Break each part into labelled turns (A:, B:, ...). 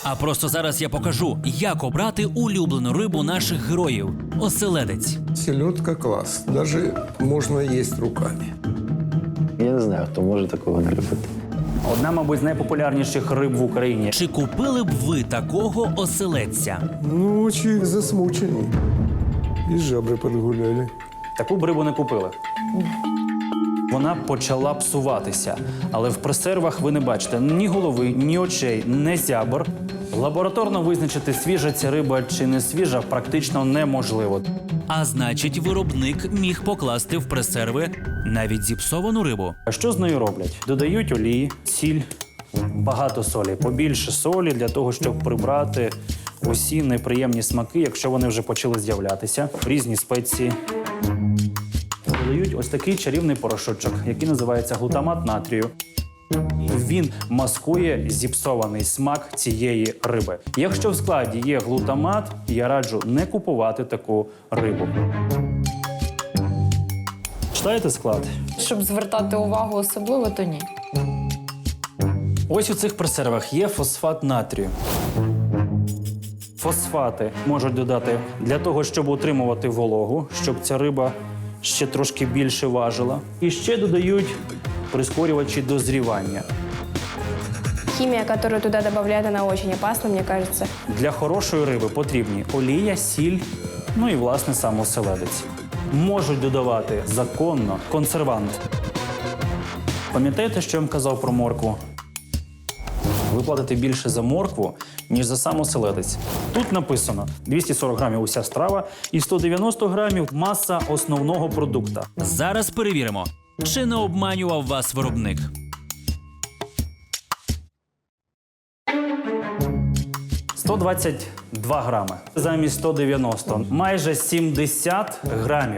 A: А просто зараз я покажу, як обрати улюблену рибу наших героїв – оселедець.
B: Селедка класс. Даже можно есть руками.
C: Я не знаю, хто може такого не робити.
D: Одна, мабуть, з найпопулярніших риб в Україні.
A: Чи купили б ви такого оселедця?
B: Ну, очень засмученный. И жабры подгуляли.
D: Таку б рибу не купили. Вона почала псуватися. Але в пресервах ви не бачите ні голови, ні очей, ні зябр. Лабораторно визначити, свіжа ця риба чи не свіжа, практично неможливо.
A: А значить, виробник міг покласти в пресерви навіть зіпсовану рибу.
D: А що з нею роблять? Додають олії, сіль, багато солі. Побільше солі для того, щоб прибрати усі неприємні смаки, якщо вони вже почали з'являтися. Різні спеції. Додають ось такий чарівний порошочок, який називається глутамат натрію. Він маскує зіпсований смак цієї риби. Якщо в складі є глутамат, я раджу не купувати таку рибу. Читаєте склад?
E: Щоб звертати увагу особливо, то ні.
D: Ось у цих пресервах є фосфат натрію. Фосфати можуть додати для того, щоб утримувати вологу, щоб ця риба ще трошки більше важила. І ще додають прискорювачі дозрівання.
F: Химия, которую туда добавляют, она очень опасна, мне кажется.
D: Для хорошої риби потрібні олія, сіль, ну і, власне, сам оселедець. Можуть додавати законно консервант. Пам'ятаєте, що я вам казав про моркву? Ви платите більше за моркву, ніж за сам оселедець. Тут написано 240 грамів уся страва і 190 грамів маса основного продукту.
A: Зараз перевіримо, чи не обманював вас виробник.
D: – 122 грами замість 190. Майже 70 грамів.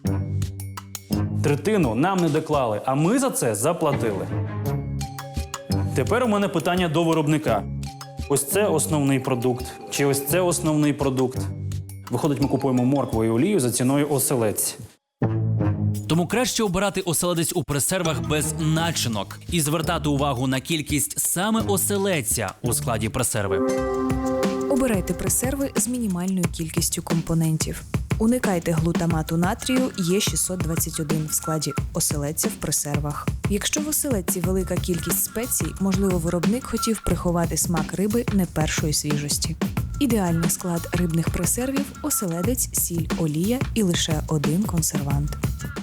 D: Третину нам не доклали, а ми за це заплатили. Тепер у мене питання до виробника. Ось це основний продукт, чи ось це основний продукт. Виходить, ми купуємо моркву і олію за ціною оселедць.
A: Тому краще обирати оселедець у пресервах без начинок і звертати увагу на кількість саме оселедця у складі пресерви.
G: Обирайте пресерви з мінімальною кількістю компонентів. Уникайте глутамату натрію Е621 в складі оселедця в пресервах. Якщо в оселедці велика кількість спецій, можливо, виробник хотів приховати смак риби не першої свіжості. Ідеальний склад рибних пресервів – оселедець, сіль, олія і лише один консервант.